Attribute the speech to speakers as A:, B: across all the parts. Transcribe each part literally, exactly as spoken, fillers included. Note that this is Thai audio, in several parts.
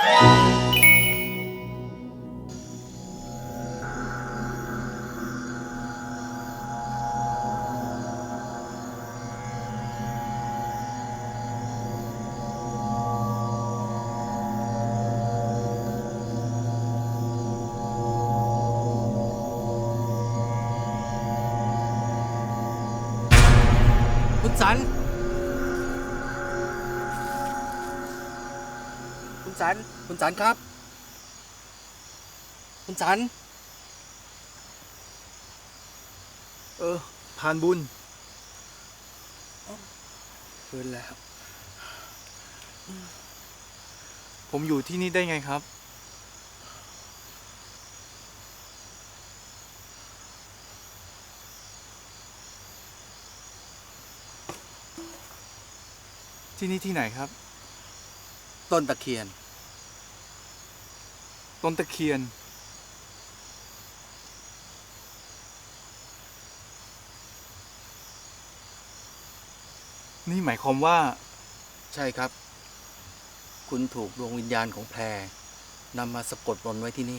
A: คุณสันคุณสันคุณสันครับคุณสัน
B: เออผ่านบุญ
A: ฟื้นแล้ว
B: ผมอยู่ที่นี่ได้ไงครับที่นี่ที่ไหนครับ
A: ต้นตะเคียน
B: ต้นตะเคียนนี่หมายความว่า
A: ใช่ครับคุณถูกดวงวิญญาณของแพรนำมาสะกดมนต์ไว้ที่นี่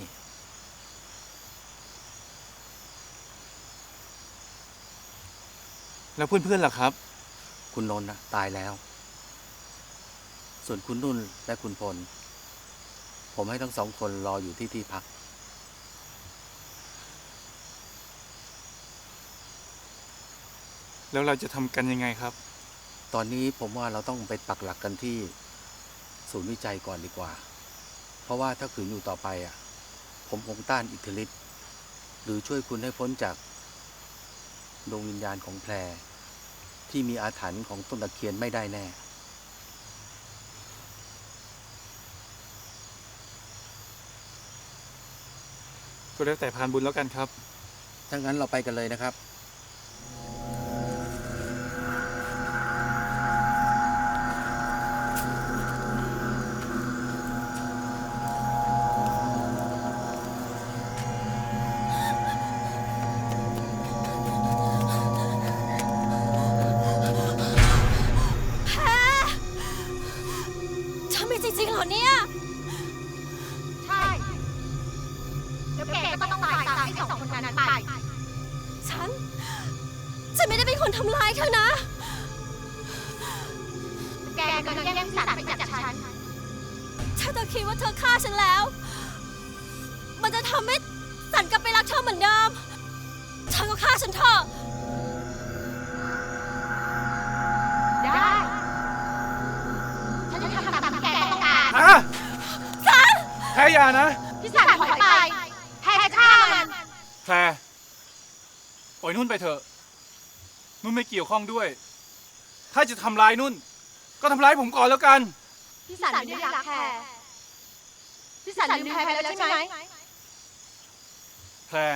B: แล้วเพื่อนๆล่ะครับ
A: คุณนนท์นะตายแล้วส่วนคุณนุ่นและคุณพลผมให้ทั้งสองคนรออยู่ที่ที่พัก
B: แล้วเราจะทำกันยังไงครับ
A: ตอนนี้ผมว่าเราต้องไปปักหลักกันที่ศูนย์วิจัยก่อนดีกว่าเพราะว่าถ้าขืนอยู่ต่อไปอ่ะผมคงต้านอิทธิฤทธิ์หรือช่วยคุณให้พ้นจากดวงวิญญาณของแพรที่มีอาถรรพ์ของต้นตะเคียนไม่ได้แน่
B: ก็แล้วแต่พานบุญแล้วกันครับ
A: ถ้างั้นเราไปกันเลยนะครับ
C: จริงๆเหรอเนี่ยใช่แล้วแกก็ต้องตายตามไอ้สองคนนั้นไปฉันฉันไม่ได้เป็นคนทำร้ายเธอนะแกกำลังแย่งสัตว์ไปจากฉันถ้าเธอคิดว่าเธอฆ่าฉันแล้วมันจะทำให้สันกลับไปรักเธอเหมือนเดิมเธอก็ฆ่าฉันเถอะได้ฉันจะทำตามที่แกต้องการ
B: ฮะสันแพรอย่านะ
C: พี่สันถอยไปแพรจะฆ่ามัน
B: แพรปล่อยนุ่นไปเถอะนุ่นไม่เกี่ยวข้องด้วยถ้าจะทำร้ายนุ่นก็ทำร้ายผมก่อนแล้วกัน
C: พี่สันไม่ได้รักแพรพี่สันลืมแพรไปแล้วใช่ไหม
B: แพร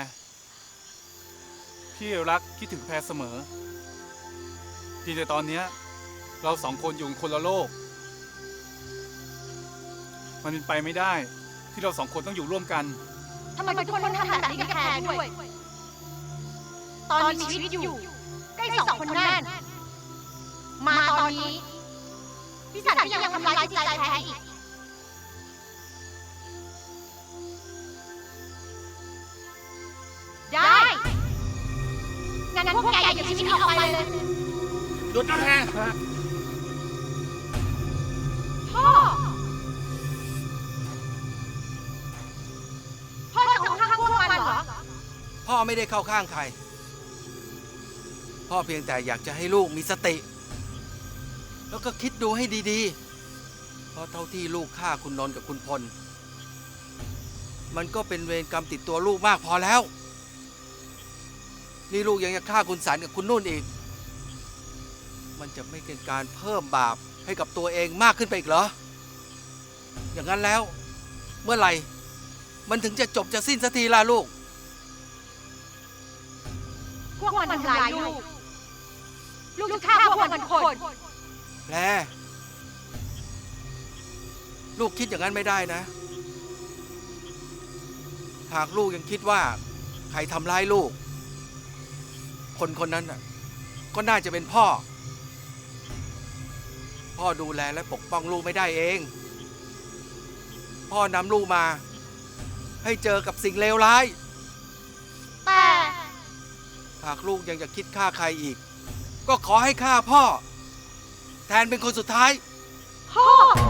B: พี่รักคิดถึงแพรเสมอเพียงแต่ตอนนี้เราสองคนอยู่คนละโลกมันเป็นไปไม่ได้ที่เราสองคนต้องอยู่ร่วมกัน
C: ทำไมทุกคนทำแบบนี้กับแพรด้วยตอนมีชีวิตอยู่ใกล้สองคนนั่นมาตอนนี้พี่สันก็ยังทำร้ายจิตใจแพรอีกได้งั้นพวกแกอย่าชีวิตออกไปเลย
A: หยุดนะแพร
C: พ่อพ่อจะเข้าข้างพวกมันเหรอ
A: พ่อไม่ได้เข้าข้างใครพ่อเพียงแต่อยากจะให้ลูกมีสติแล้วก็คิดดูให้ดีๆเพราะเท่าที่ลูกฆ่าคุณนนท์กับคุณพลมันก็เป็นเวรกรรมติดตัวลูกมากพอแล้วนี่ลูกยังจะฆ่าคุณสันกับคุณนุ่นอีกมันจะไม่เป็นการเพิ่มบาปให้กับตัวเองมากขึ้นไปอีกเหรออย่างนั้นแล้วเมื่อไหร่มันถึงจะจบจะสิ้นสักทีล่ะลูก
C: พวกมันทำร้ายลูกลูกจะฆ่าพวกมันคน
A: แพรลูกคิดอย่างนั้นไม่ได้นะหากลูกยังคิดว่าใครทำร้ายลูกคนคนนั้นน่ะก็น่าจะเป็นพ่อพ่อดูแลและปกป้องลูกไม่ได้เอง
D: พ่อนำลูกมา ให้เจอกับสิ่งเลวร้าย
C: แต่
D: หากลูกยังจะคิดฆ่าใครอีก ก็ขอให้ฆ่าพ่อ แทนเป็นคนสุดท้าย
C: พ่อ